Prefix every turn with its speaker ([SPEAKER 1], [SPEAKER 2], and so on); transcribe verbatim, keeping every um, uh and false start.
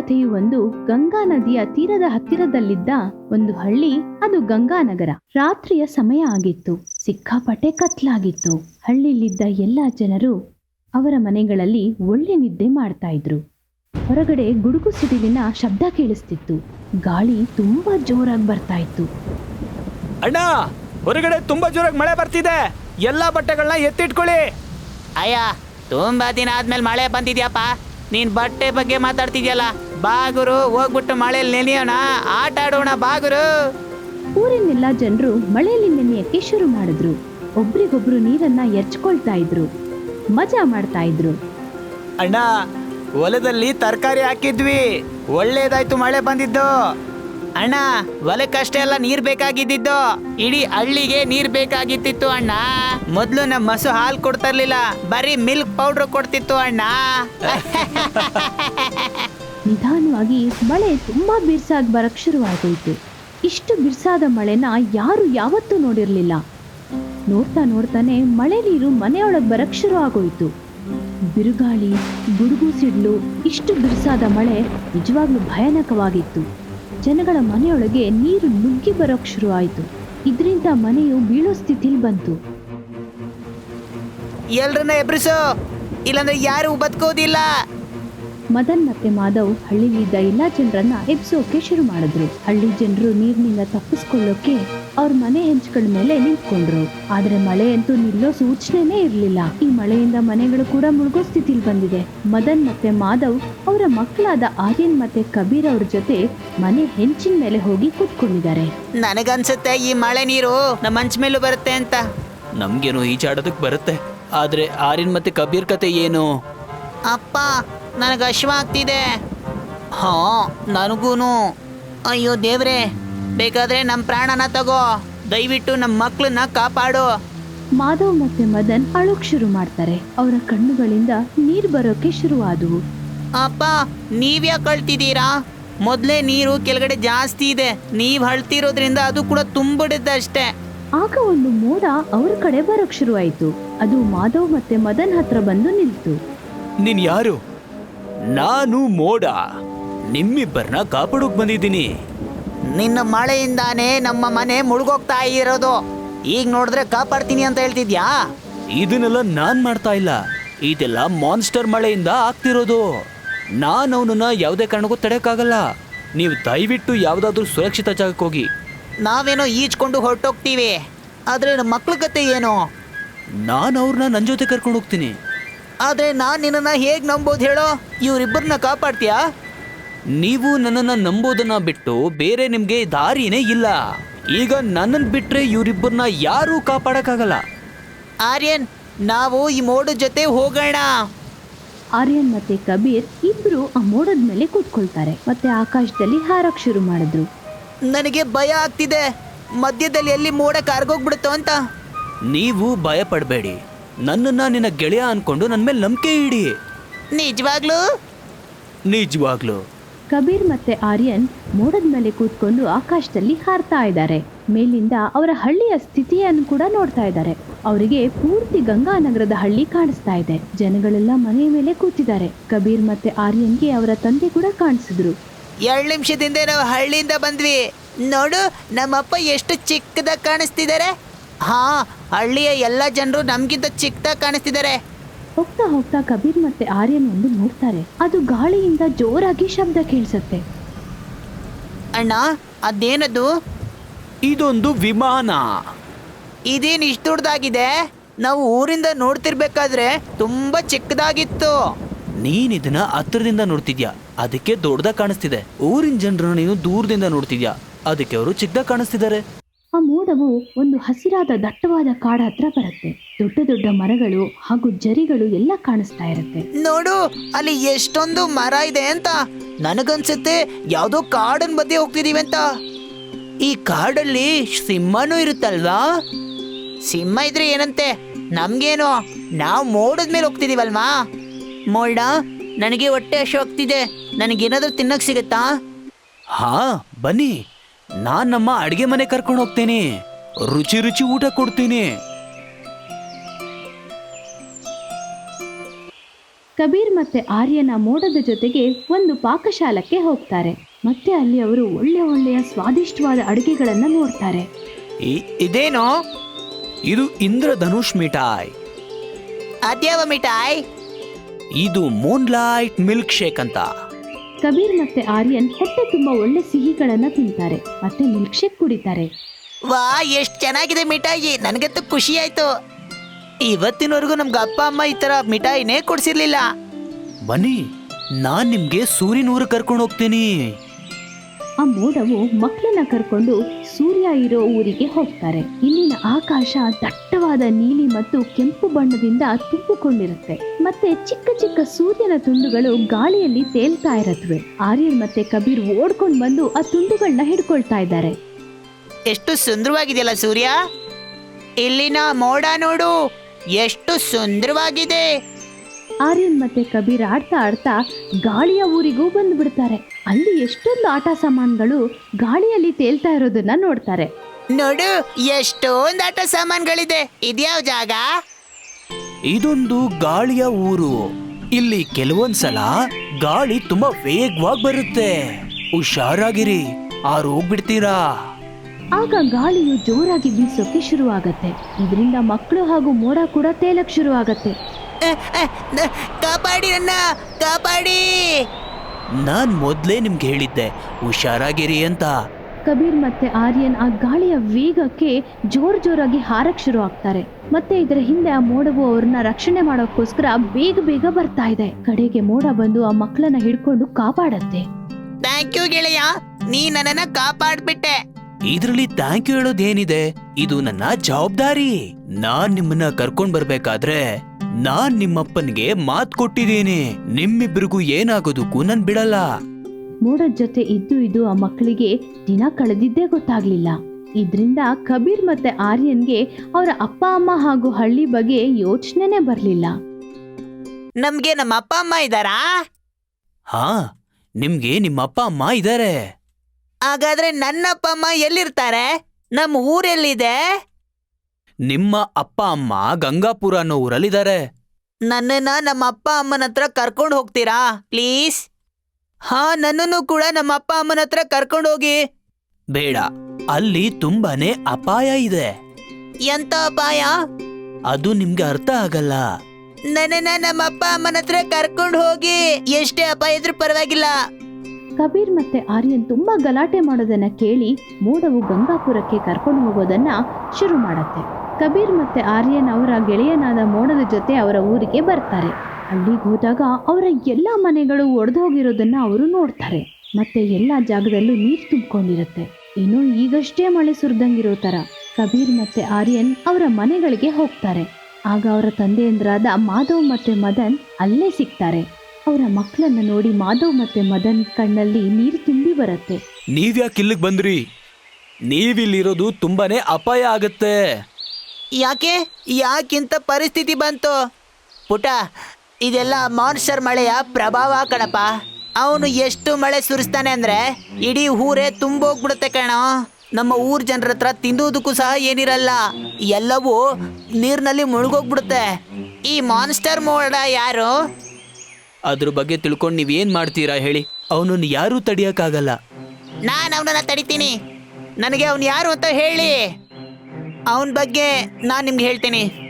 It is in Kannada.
[SPEAKER 1] ಕಥೆಯು ಒಂದು ಗಂಗಾ ನದಿಯ ತೀರದ ಹತ್ತಿರದಲ್ಲಿದ್ದ ಒಂದು ಹಳ್ಳಿ. ಅದು ಗಂಗಾನಗರ. ರಾತ್ರಿಯ ಸಮಯ ಆಗಿತ್ತು. ಸಿಕ್ಕಾಪಟ್ಟೆ ಕತ್ಲಾಗಿತ್ತು. ಹಳ್ಳಿಲಿದ್ದ ಎಲ್ಲಾ ಜನರು ಅವರ ಮನೆಗಳಲ್ಲಿ ಒಳ್ಳೆ ನಿದ್ದೆ ಮಾಡ್ತಾ ಇದ್ರು. ಹೊರಗಡೆ ಗುಡುಗು ಸಿಡಿಲಿನ ಶಬ್ದ ಕೇಳಿಸ್ತಿತ್ತು. ಗಾಳಿ ತುಂಬಾ ಜೋರಾಗಿ ಬರ್ತಾ ಇತ್ತು.
[SPEAKER 2] ಅಣ್ಣ, ಹೊರಗಡೆ ತುಂಬಾ ಜೋರಾಗಿ ಮಳೆ ಬರ್ತಿದೆ. ಎಲ್ಲಾ ಬಟ್ಟೆಗಳನ್ನ ಎತ್ತಿಟ್ಕೊಳ್ಳಿ.
[SPEAKER 3] ಅಯ್ಯ, ತುಂಬಾ ದಿನ ಆದ್ಮೇಲೆ ಮಳೆ ಬಂದಿದ್ಯಪ್ಪ. ನೀನ್ ಬಟ್ಟೆ ಬಗ್ಗೆ ಮಾತಾಡ್ತಿದ್ಯಲ್ಲ. ಬಾಗುರು, ಹೋಗ್ಬಿಟ್ಟು ಮಳೆಯಲ್ಲಿ ನೆನೆಯೋಣ, ಆಟ ಆಡೋಣ ಬಾಗುರು.
[SPEAKER 1] ಊರಿನೆಲ್ಲ ಜನರು ಮಳೆಯಲ್ಲಿ ನೆನೆಯಕ್ಕೆ ಶುರು ಮಾಡಿದ್ರು. ಒಬ್ರಿಗೊಬ್ರು ನೀರನ್ನ ಎರ್ಚ್ಕೊಳ್ತಾ ಇದ್ರು, ಮಜಾ ಮಾಡ್ತಾ ಇದ್ರು.
[SPEAKER 2] ಅಣ್ಣ, ಹೊಲದಲ್ಲಿ ತರಕಾರಿ ಹಾಕಿದ್ವಿ. ಒಳ್ಳೇದಾಯ್ತು ಮಳೆ ಬಂದಿದ್ದು.
[SPEAKER 3] ಅಣ್ಣ, ಹೊಲಕ್ಕಷ್ಟೇ ಎಲ್ಲ ನೀರ್ ಬೇಕಾಗಿದ್ದಿದ್ದು. ಇಡೀ ಹಳ್ಳಿಗೆ ನೀರ್ ಬೇಕಾಗಿತ್ತಿತ್ತು ಅಣ್ಣ. ಮೊದ್ಲು ನಮ್ಮ ಹಸು ಹಾಲು ಕೊಡ್ತಾ ಇರ್ಲಿಲ್ಲ, ಬರೀ ಮಿಲ್ಕ್ ಪೌಡರ್ ಕೊಡ್ತಿತ್ತು ಅಣ್ಣ.
[SPEAKER 1] ನಿಧಾನವಾಗಿ ಮಳೆ ತುಂಬಾ ಬಿರ್ಸಾಗಿ ಬರಕ್ ಶುರುವಾಗೋಯ್ತು. ಇಷ್ಟು ಬಿರ್ಸಾದ ಮಳೆನ ಯಾರು ಯಾವತ್ತೂ ನೋಡಿರ್ಲಿಲ್ಲ. ನೋಡ್ತಾ ನೋಡ್ತಾನೆ ಮಳೆ ನೀರು ಮನೆಯೊಳಗ್ ಬರಕ್ ಶುರು ಆಗೋಯ್ತು. ಬಿರುಗಾಳಿ, ಗುಡುಗು ಸಿಡ್ಲು, ಇಷ್ಟು ಬಿರ್ಸಾದ ಮಳೆ ನಿಜವಾಗ್ಲೂ ಭಯಾನಕವಾಗಿತ್ತು. ಜನಗಳ ಮನೆಯೊಳಗೆ ನೀರು ನುಗ್ಗಿ ಬರೋಕ್ ಶುರು ಆಯ್ತು. ಇದರಿಂದ ಮನೆಯು ಬೀಳೋ ಸ್ಥಿತಿಲಿ ಬಂತು.
[SPEAKER 3] ಎಲ್ರನ್ನ ಎಬ್ರಿಸು, ಇಲ್ಲಾಂದ್ರೆ ಯಾರು ಬದುಕೋದಿಲ್ಲ.
[SPEAKER 1] ಮದನ್ ಮತ್ತೆ ಮಾಧವ್ ಹಳ್ಳಿಲಿದ್ದ ಎಲ್ಲಾ ಜನರನ್ನ ಎಬ್ಸೋಕೆ ಶುರು ಮಾಡಿದ್ರು. ಹಳ್ಳಿ ಜನರು ನೀರಿನಿಂದ ತಪ್ಪಿಸ್ಕೊಳ್ಳೋಕೆ ಅವ್ರ ಮನೆ ಹೆಂಚ್ಗಳ ಮೇಲೆ ನಿಂತ್ಕೊಂಡ್ರು. ಆದ್ರೆ ಮಳೆ ಅಂತೂ ನಿಲ್ಲೋ ಸೂಚನೆನೇ ಇರ್ಲಿಲ್ಲ. ಈ ಮಳೆಯಿಂದ ಮನೆಗಳು ಕೂಡ ಮುಳುಗೋ ಸ್ಥಿತಿಲಿ ಬಂದಿದೆ. ಮದನ್ ಮತ್ತೆ ಮಾಧವ್ ಅವರ ಮಕ್ಕಳಾದ ಆರ್ಯನ್ ಮತ್ತೆ ಕಬೀರ್ ಅವ್ರ ಜೊತೆ ಮನೆ ಹೆಂಚಿನ ಮೇಲೆ ಹೋಗಿ ಕೂತ್ಕೊಂಡಿದ್ದಾರೆ.
[SPEAKER 3] ನನಗನ್ಸುತ್ತೆ ಈ ಮಳೆ ನೀರು ನಮ್ಮ ಹಂಚ ಮೇಲೂ ಬರುತ್ತೆ ಅಂತ.
[SPEAKER 2] ನಮ್ಗೇನು ಈಜಾಡೋದಕ್ ಬರುತ್ತೆ, ಆದ್ರೆ ಆರ್ಯನ್ ಮತ್ತೆ ಕಬೀರ್ ಕತೆ ಏನು?
[SPEAKER 3] ಅಪ್ಪ, ನನಗೆ ಹಶ್ವಾಗ್ತಿದೆ. ಹಾ, ನನಗೂನು. ಅಯ್ಯೋ ದೇವ್ರೆ, ಬೇಕಾದ್ರೆ ನಮ್ಮ ಪ್ರಾಣನ ತಗೋ. ದಯವಿಟ್ಟು ನಮ್ಮ ಮಕ್ಕಳನ್ನ ಕಾಪಾಡು.
[SPEAKER 1] ಮಾಧವ್ ಮತ್ತೆ ಮದನ್ ಅಳೋಕ್ ಶುರು ಮಾಡ್ತಾರೆ. ಅವರ ಕಣ್ಣುಗಳಿಂದ ನೀರ್ ಬರೋಕೆ ಶುರುವಾದವು.
[SPEAKER 3] ಅಪ್ಪ, ನೀವ್ಯಾಕೆ ಅಳ್ತಿದ್ದೀರಾ? ಮೊದಲೇ ನೀರು ಕೆಳಗಡೆ ಜಾಸ್ತಿ ಇದೆ. ನೀವ್ ಅಳ್ತಿರೋದ್ರಿಂದ ಅದು ಕೂಡ ತುಂಬಿಡುತ್ತೆ.
[SPEAKER 1] ಆಗ ಒಂದು ಮೋಡ ಅವ್ರ ಕಡೆ ಬರೋಕ್ ಶುರು ಆಯ್ತು. ಅದು ಮಾಧವ್ ಮತ್ತೆ ಮದನ್ ಹತ್ರ ಬಂದು ನಿಲ್ತು.
[SPEAKER 2] ನೀನ್ ಯಾರು? ನಾನು ಮೋಡ. ನಿಮ್ಮಿಬ್ಬರನ್ನ ಕಾಪಾಡೋಕ್ ಬಂದಿದ್ದೀನಿ.
[SPEAKER 3] ನಿನ್ನ ಮಳೆಯಿಂದಾನೇ ನಮ್ಮ ಮನೆ ಮುಳುಗೋಗ್ತಾ ಇರೋದು. ಈಗ ನೋಡಿದ್ರೆ ಕಾಪಾಡ್ತೀನಿ ಅಂತ ಹೇಳ್ತಿದ್ಯಾ?
[SPEAKER 2] ಇದನ್ನೆಲ್ಲ ನಾನ್ ಮಾಡ್ತಾ ಇಲ್ಲ. ಇದೆಲ್ಲ ಮಾನ್ಸ್ಟರ್ ಮಳೆಯಿಂದ ಆಗ್ತಿರೋದು. ನಾನು ಅವನನ್ನ ಯಾವುದೇ ಕಾರಣಕ್ಕೂ ತಡೆಯಕ್ಕಾಗಲ್ಲ. ನೀವು ದಯವಿಟ್ಟು ಯಾವ್ದಾದ್ರು ಸುರಕ್ಷಿತ ಜಾಗಕ್ಕೆ ಹೋಗಿ.
[SPEAKER 3] ನಾವೇನೋ ಈಜ್ಕೊಂಡು ಹೊರಟೋಗ್ತೀವಿ, ಆದ್ರೆ ನಮ್ಮ ಮಕ್ಳ ಕತೆ ಏನು?
[SPEAKER 2] ನಾನು ಅವ್ರನ್ನ ನನ್ನ ಜೊತೆ ಕರ್ಕೊಂಡು ಹೋಗ್ತೀನಿ.
[SPEAKER 3] ಆದ್ರೆ ನಾನ್ ನಿನ್ನ ಹೇಗ್ ನಂಬೋದು ಹೇಳೋ? ಇವ್ರಿಬ್ಬರನ್ನ ಕಾಪಾಡ್ತೀಯಾ?
[SPEAKER 2] ನೀವು ನನ್ನನ್ನ ನಂಬೋದನ್ನ ಬಿಟ್ಟು ಬೇರೆ ನಿಮ್ಗೆ ದಾರಿನೇ ಇಲ್ಲ. ಈಗ ನನ್ನನ್ ಬಿಟ್ರೆ ಇವರಿಬ್ಬರನ್ನ ಯಾರೂ ಕಾಪಾಡಕ್ಕಾಗಲ್ಲ.
[SPEAKER 3] ಆರ್ಯನ್, ನಾವು ಈ ಮೋಡದ ಜೊತೆ ಹೋಗೋಣ.
[SPEAKER 1] ಆರ್ಯನ್ ಮತ್ತೆ ಕಬೀರ್ ಇಬ್ರು ಆ ಮೋಡದ ಮೇಲೆ ಕೂತ್ಕೊಳ್ತಾರೆ ಮತ್ತೆ ಆಕಾಶದಲ್ಲಿ ಹಾರಕ್ ಶುರು ಮಾಡಿದ್ರು.
[SPEAKER 3] ನನಗೆ ಭಯ ಆಗ್ತಿದೆ, ಮಧ್ಯದಲ್ಲಿ ಎಲ್ಲಿ ಮೋಡ ಕಾರ್ಗೋಗ್ಬಿಡುತ್ತೋ ಅಂತ.
[SPEAKER 2] ನೀವು ಭಯ ಪಡಬೇಡಿ. ನನ್ನನ್ನ ನಿನ್ನ ಗೆಳೆಯ ಅನ್ಕೊಂಡು ನನ್ನ ಮೇಲೆ ನಂಬಿಕೆ ಇಡಿ.
[SPEAKER 3] ನಿಜವಾಗ್ಲೂ?
[SPEAKER 2] ನಿಜವಾಗ್ಲು.
[SPEAKER 1] ಕಬೀರ್ ಮತ್ತೆ ಆರ್ಯನ್ ಮೋಡದ ಮೇಲೆ ಕೂತ್ಕೊಂಡು ಆಕಾಶದಲ್ಲಿ ಹಾರ್ತಾ ಇದ್ದಾರೆ. ಮೇಲಿಂದ ಅವರ ಹಳ್ಳಿಯ ಸ್ಥಿತಿಯನ್ನು ಕೂಡ ನೋಡ್ತಾ ಇದ್ದಾರೆ. ಅವರಿಗೆ ಪೂರ್ತಿ ಗಂಗಾನಗರದ ಹಳ್ಳಿ ಕಾಣಿಸ್ತಾ ಇದೆ. ಜನಗಳೆಲ್ಲ ಮನೆ ಮೇಲೆ ಕೂತಿದ್ದಾರೆ. ಕಬೀರ್ ಮತ್ತೆ ಆರ್ಯನ್ಗೆ ಅವರ ತಂದೆ ಕೂಡ ಕಾಣಿಸಿದ್ರು.
[SPEAKER 3] ಎರಡು ನಿಮಿಷದಿಂದ ನಾವು ಹಳ್ಳಿಯಿಂದ ಬಂದ್ವಿ. ನೋಡು, ನಮ್ಮಪ್ಪ ಎಷ್ಟು ಚಿಕ್ಕದಾಗಿ ಕಾಣಿಸ್ತಿದ್ದಾರೆ. ಹಾ, ಹಳ್ಳಿಯ ಎಲ್ಲ ಜನರು ನಮ್ಗಿಂತ ಚಿಕ್ಕದಾಗಿ ಕಾಣಿಸ್ತಿದ್ದಾರೆ.
[SPEAKER 1] ಹೋಗ್ತಾ ಹೋಗ್ತಾ ಕಬೀರ್ ಮತ್ತೆ ಆರ್ಯನ್ ಒಂದು ನೋಡ್ತಾರೆ. ಅದು ಗಾಳಿಯಿಂದ ಜೋರಾಗಿ ಶಬ್ದ ಕೇಳಿಸುತ್ತೆ.
[SPEAKER 3] ಅಣ್ಣ, ಅದೇನದು?
[SPEAKER 2] ಇದೊಂದು ವಿಮಾನ.
[SPEAKER 3] ಇದೇನು ಇಷ್ಟು ದೊಡ್ಡದಾಗಿದೆ? ನಾವು ಊರಿಂದ ನೋಡ್ತಿರ್ಬೇಕಾದ್ರೆ ತುಂಬಾ ಚಿಕ್ಕದಾಗಿತ್ತು.
[SPEAKER 2] ನೀನ್ ಇದನ್ನ ಹತ್ತಿರದಿಂದ ನೋಡ್ತಿದ್ಯಾ, ಅದಕ್ಕೆ ದೊಡ್ಡದಾಗಿ ಕಾಣಿಸ್ತಿದೆ. ಊರಿನ ಜನರನ್ನ ನೀನು ದೂರದಿಂದ ನೋಡ್ತಿದ್ಯಾ, ಅದಕ್ಕೆ ಅವರು ಚಿಕ್ಕದಾಗಿ ಕಾಣಿಸ್ತಿದ್ದಾರೆ.
[SPEAKER 1] ಆ ಮೋಡವು ಒಂದು ಹಸಿರಾದ ದಟ್ಟವಾದ ಕಾಡ ಹತ್ರ ಬರುತ್ತೆ. ದೊಡ್ಡ ದೊಡ್ಡ ಮರಗಳು ಹಾಗೂ ಜರಿಗಳು ಎಲ್ಲ ಕಾಣಿಸ್ತಾ ಇರುತ್ತೆ.
[SPEAKER 3] ನೋಡು, ಅಲ್ಲಿ ಎಷ್ಟೊಂದು ಮರ ಇದೆ ಅಂತ. ನನಗನ್ಸುತ್ತೆ ಯಾವ್ದೋ ಕಾಡನ್ ಮಧ್ಯೆ ಹೋಗ್ತಿದೀವಿ ಅಂತ. ಈ ಕಾಡಲ್ಲಿ ಸಿಂಹನೂ ಇರುತ್ತಲ್ವಾ? ಸಿಂಹ ಇದ್ರೆ ಏನಂತೆ, ನಮ್ಗೇನು, ನಾವು ಮೋಡದ ಮೇಲೆ ಹೋಗ್ತಿದೀವಲ್ವಾ? ಮೋಡ, ನನಗೆ ಹೊಟ್ಟೆ ಹಸಿವಾಗ್ತಿದೆ. ನನಗೇನಾದ್ರೂ ತಿನ್ನಕ್ ಸಿಗತ್ತಾ?
[SPEAKER 2] ಹಾ, ಬನ್ನಿ, ನಾನ್ ನಮ್ಮ ಅಡಿಗೆ ಮನೆ ಕರ್ಕೊಂಡು ಹೋಗ್ತೀನಿ. ರುಚಿ ರುಚಿ ಊಟ ಕೊಡ್ತೀನಿ.
[SPEAKER 1] ಕಬೀರ್ ಮತ್ತೆ ಆರ್ಯನ ಮೋಡದ ಜೊತೆಗೆ ಒಂದು ಪಾಕಶಾಲಕ್ಕೆ ಹೋಗ್ತಾರೆ. ಮತ್ತೆ ಅಲ್ಲಿ ಅವರು ಒಳ್ಳೆ ಒಳ್ಳೆಯ ಸ್ವಾದಿಷ್ಟವಾದ ಅಡುಗೆಗಳನ್ನ ನೋಡ್ತಾರೆ.
[SPEAKER 2] ಇ- ಇದೇನೋ ಇದು ಇಂದ್ರಧನುಷ್ ಮಿಠಾಯ್.
[SPEAKER 3] ಅದ್ಯಾವ ಮಿಠಾಯ್?
[SPEAKER 2] ಇದು ಮೂನ್ಲೈಟ್ ಮಿಲ್ಕ್ ಶೇಕ್ ಅಂತ.
[SPEAKER 1] ಕಬೀರ್ ಮತ್ತೆ ಆರ್ಯನ್ ಹೊಟ್ಟೆ ತುಂಬಾ ಒಳ್ಳೆ ಸಿಹಿಗಳನ್ನ ತಿಂತಾರೆ ಮತ್ತೆ ಮಿಲ್ಕ್ ಶೇಕ್ ಕುಡಿತಾರೆ.
[SPEAKER 3] ವಾ, ಎಷ್ಟ್ ಚೆನ್ನಾಗಿದೆ ಮಿಠಾಯಿ, ನನಗಂತೂ ಖುಷಿ ಆಯ್ತು. ಇವತ್ತಿನವರೆಗೂ ನಮ್ಗೆ ಅಪ್ಪ ಅಮ್ಮ ಈ ತರ ಮಿಠಾಯಿನೇ ಕೊಡ್ಸಿರ್ಲಿಲ್ಲ.
[SPEAKER 2] ಬನ್ನಿ, ನಾನ್ ನಿಮ್ಗೆ ಸೂರ್ಯನೂರು ಕರ್ಕೊಂಡು ಹೋಗ್ತೀನಿ.
[SPEAKER 1] ಆ ಮೋಡವು ಮಕ್ಕಳನ್ನ ಕರ್ಕೊಂಡು ಸೂರ್ಯ ಇರೋ ಊರಿಗೆ ಹೋಗ್ತಾರೆ. ಇಲ್ಲಿನ ಆಕಾಶ ದಟ್ಟವಾದ ನೀಲಿ ಮತ್ತು ಕೆಂಪು ಬಣ್ಣದಿಂದ ತುಂಬಿಕೊಂಡಿರುತ್ತೆ. ಮತ್ತೆ ಚಿಕ್ಕ ಚಿಕ್ಕ ಸೂರ್ಯನ ತುಂಡುಗಳು ಗಾಳಿಯಲ್ಲಿ ತೇಲ್ತಾ ಇರತ್ವೆ. ಆರ್ಯನ್ ಮತ್ತೆ ಕಬೀರ್ ಓಡ್ಕೊಂಡ್ ಬಂದು ಆ ತುಂಡುಗಳನ್ನ ಹಿಡ್ಕೊಳ್ತಾ ಇದ್ದಾರೆ.
[SPEAKER 3] ಎಷ್ಟು ಸುಂದರವಾಗಿದೆಯಲ್ಲ ಸೂರ್ಯ. ಇಲ್ಲಿನ ಮೋಡ ನೋಡು, ಎಷ್ಟು ಸುಂದರವಾಗಿದೆ.
[SPEAKER 1] ಆರ್ಯನ್ ಮತ್ತೆ ಕಬೀರ್ ಆಡ್ತಾ ಆಡ್ತಾ ಗಾಳಿಯ ಊರಿಗೂ ಬಂದು ಬಿಡ್ತಾರೆ. ಅಲ್ಲಿ ಎಷ್ಟೊಂದು ಆಟ ಸಾಮಾನುಗಳು ಗಾಳಿಯಲ್ಲಿ ತೇಲ್ತಾ ಇರೋದನ್ನ ನೋಡ್ತಾರೆ.
[SPEAKER 3] ನೋಡು, ಎಷ್ಟೊಂದು ಆಟ ಸಾಮಾನುಗಳಿದೆ. ಇದ್ಯಾವ ಜಾಗ?
[SPEAKER 2] ಇದೊಂದು ಗಾಳಿಯ ಊರು. ಇಲ್ಲಿ ಕೆಲವೊಂದ್ಸಲ ಗಾಳಿ ತುಂಬಾ ವೇಗವಾಗಿ ಬರುತ್ತೆ. ಹುಷಾರಾಗಿರಿ, ಆರು ಹೋಗ್ಬಿಡ್ತೀರಾ.
[SPEAKER 1] ಆಗ ಗಾಳಿಯು ಜೋರಾಗಿ ಬೀಸೋಕೆ ಶುರುವಾಗತ್ತೆ. ಇದರಿಂದ ಮಕ್ಕಳು ಹಾಗೂ ಮೋಡ ಕೂಡ ತೇಲಕ್ ಶುರುವಾಗತ್ತೆ.
[SPEAKER 3] ಅಹ್, ಅಹ್, ನ- ಕಾಪಾಡಿ ನನ್ನ, ಕಾಪಾಡಿ.
[SPEAKER 2] ನಾನ್ ಮೊದ್ಲೇ ನಿಮ್ಗೆ ಹೇಳಿದ್ದೆ ಹುಷಾರಾಗಿರಿ ಅಂತ.
[SPEAKER 1] ಕಬೀರ್ ಮತ್ತೆ ಆರ್ಯನ್ ಆ ಗಾಳಿಯ ವೇಗಕ್ಕೆ ಜೋರ್ ಜೋರಾಗಿ ಹಾರಕ್ ಶುರು ಆಗ್ತಾರೆ. ಮತ್ತೆ ಇದರ ಹಿಂದೆ ಆ ಮೋಡವು ಅವ್ರನ್ನ ರಕ್ಷಣೆ ಮಾಡೋಕ್ಕೋಸ್ಕರ ಬೇಗ ಬೇಗ ಬರ್ತಾ ಇದೆ. ಕಡೆಗೆ ಮೋಡ ಬಂದು ಆ ಮಕ್ಕಳನ್ನ ಹಿಡ್ಕೊಂಡು ಕಾಪಾಡತ್ತೆ.
[SPEAKER 3] ಥ್ಯಾಂಕ್ ಯು ಗೆಳೆಯ, ನೀ ನನ್ನನ್ನ ಕಾಪಾಡ್ಬಿಟ್ಟೆ.
[SPEAKER 2] ಇದ್ರಲ್ಲಿ ಥ್ಯಾಂಕ್ ಯು ಹೇಳೋದೇನಿದೆ, ಇದು ನನ್ನ ಜವಾಬ್ದಾರಿ. ನಾನ್ ನಿಮ್ಮನ್ನ ಕರ್ಕೊಂಡ್ ಬರ್ಬೇಕಾದ್ರೆ ನಾನ್ ನಿಮ್ಮಪ್ಪನ್ಗೆ ಮಾತ್ ಕೊಟ್ಟಿದ್ದೀನಿ. ನಿಮ್ಮಿಬ್ರಿಗೂ ಏನಾಗೋದಕ್ಕೂ ನನ್ ಬಿಡಲ್ಲ.
[SPEAKER 1] ಮೋಡದ ಜೊತೆ ಇದ್ದು ಇದ್ದು ಆ ಮಕ್ಕಳಿಗೆ ದಿನ ಕಳೆದಿದ್ದೇ ಗೊತ್ತಾಗ್ಲಿಲ್ಲ. ಇದ್ರಿಂದ ಕಬೀರ್ ಮತ್ತೆ ಆರ್ಯನ್ಗೆ ಅವರ ಅಪ್ಪ ಅಮ್ಮ ಹಾಗೂ ಹಳ್ಳಿ ಬಗ್ಗೆ ಯೋಚನೆನೇ ಬರ್ಲಿಲ್ಲ.
[SPEAKER 3] ನಮ್ಗೆ ನಮ್ಮ ಅಪ್ಪ ಅಮ್ಮ ಇದ್ದಾರಾ?
[SPEAKER 2] ಹಾ, ನಿಮ್ಗೆ ನಿಮ್ಮ ಅಪ್ಪ ಅಮ್ಮ ಇದಾರೆ.
[SPEAKER 3] ಹಾಗಾದ್ರೆ ನನ್ನ ಅಪ್ಪ ಅಮ್ಮ ಎಲ್ಲಿರ್ತಾರೆ? ನಮ್ಮ ಊರೆಲ್ಲಿದೆ?
[SPEAKER 2] ನಿಮ್ಮ ಅಪ್ಪ ಅಮ್ಮ ಗಂಗಾಪುರ ಅನ್ನೋ ಊರಲ್ಲಿದ್ದಾರೆ.
[SPEAKER 3] ನನ್ನನ್ನ ನಮ್ಮ ಅಪ್ಪ ಅಮ್ಮನ ಹತ್ರ ಕರ್ಕೊಂಡು ಹೋಗ್ತೀರಾ ಪ್ಲೀಸ್? ಹಾ, ನನ್ನನ್ನು ಕೂಡ ನಮ್ಮ ಅಪ್ಪ ಅಮ್ಮನ ಹತ್ರ ಕರ್ಕೊಂಡು ಹೋಗಿ.
[SPEAKER 2] ಬೇಡ, ಅಲ್ಲಿ ತುಂಬಾನೇ ಅಪಾಯ ಇದೆ.
[SPEAKER 3] ಎಂತ ಅಪಾಯ?
[SPEAKER 2] ಅದು ನಿಮ್ಗೆ ಅರ್ಥ ಆಗಲ್ಲ.
[SPEAKER 3] ನನ್ನನ್ನ ನಮ್ಮ ಅಪ್ಪ ಅಮ್ಮನ ಹತ್ರ ಕರ್ಕೊಂಡು ಹೋಗಿ. ಎಷ್ಟೇ ಅಪಾಯ ಇದ್ರೂ ಪರವಾಗಿಲ್ಲ.
[SPEAKER 1] ಕಬೀರ್ ಮತ್ತೆ ಆರ್ಯನ್ ತುಂಬಾ ಗಲಾಟೆ ಮಾಡೋದನ್ನ ಕೇಳಿ ಮೋಡವು ಗಂಗಾಪುರಕ್ಕೆ ಕರ್ಕೊಂಡು ಹೋಗೋದನ್ನ ಶುರು ಮಾಡತ್ತೆ. ಕಬೀರ್ ಮತ್ತೆ ಆರ್ಯನ್ ಅವರ ಗೆಳೆಯನಾದ ಮೋಡದ ಜೊತೆ ಅವರ ಊರಿಗೆ ಬರ್ತಾರೆ. ಅಲ್ಲಿಗೆ ಹೋದಾಗ ಅವರ ಎಲ್ಲಾ ಮನೆಗಳು ಒಡೆದು ಹೋಗಿರೋದನ್ನ ಅವರು ನೋಡ್ತಾರೆ. ಮತ್ತೆ ಎಲ್ಲಾ ಜಾಗದಲ್ಲೂ ನೀರು ತುಂಬಿಕೊಂಡಿರುತ್ತೆ. ಇನ್ನು ಈಗಷ್ಟೇ ಮಳೆ ಸುರಿದಂಗಿರೋ ತರ. ಕಬೀರ್ ಮತ್ತೆ ಆರ್ಯನ್ ಅವರ ಮನೆಗಳಿಗೆ ಹೋಗ್ತಾರೆ. ಆಗ ಅವರ ತಂದೆಯಂದ್ರಾದ ಮಾಧವ್ ಮತ್ತೆ ಮದನ್ ಅಲ್ಲೇ ಸಿಗ್ತಾರೆ. ಅವರ ಮಕ್ಕಳನ್ನ ನೋಡಿ ಮಾಧವ್ ಮತ್ತೆ ಮದನ್ ಕಣ್ಣಲ್ಲಿ ನೀರು ತುಂಬಿ ಬರುತ್ತೆ.
[SPEAKER 2] ನೀವ್ಯಾಕೆ ಇಲ್ಲಿಗೆ ಬಂದ್ರಿ? ನೀವಿಲ್ಲಿರೋದು ತುಂಬಾನೇ ಅಪಾಯ ಆಗತ್ತೆ.
[SPEAKER 3] ಯಾಕೆ ಯಾಕಿಂತ ಪರಿಸ್ಥಿತಿ ಬಂತು? ಪುಟ, ಇದೆಲ್ಲ ಮಾನ್ಸ್ಟರ್ ಮಳೆಯ ಪ್ರಭಾವ ಕಣಪ್ಪ. ಅವನು ಎಷ್ಟು ಮಳೆ ಸುರಿಸ್ತಾನೆ ಅಂದ್ರೆ ಇಡೀ ಊರೇ ತುಂಬೋಗ್ಬಿಡುತ್ತೆ ಕಣೋ. ನಮ್ಮ ಊರ್ ಜನರ ಹತ್ರ ತಿನ್ನೋದಕ್ಕೂ ಸಹ ಏನಿರಲ್ಲ, ಎಲ್ಲವೂ ನೀರಿನಲ್ಲಿ ಮುಳುಗೋಗ್ಬಿಡುತ್ತೆ. ಈ ಮಾನ್ಸ್ಟರ್ ಮೋಡ ಯಾರು?
[SPEAKER 2] ಅದ್ರ ಬಗ್ಗೆ ತಿಳ್ಕೊಂಡು ನೀವೇನ್ ಮಾಡ್ತೀರಾ ಹೇಳಿ? ಅವನನ್ನು ಯಾರೂ ತಡಿಯಕ್ಕಾಗಲ್ಲ.
[SPEAKER 3] ನಾನು ಅವನನ್ನ ತಡಿತೀನಿ. ನನಗೆ ಅವನು ಯಾರು ಅಂತ ಹೇಳಿ, ಅವನ ಬಗ್ಗೆ ನಾನು ನಿಮ್ಗೆ ಹೇಳ್ತೀನಿ.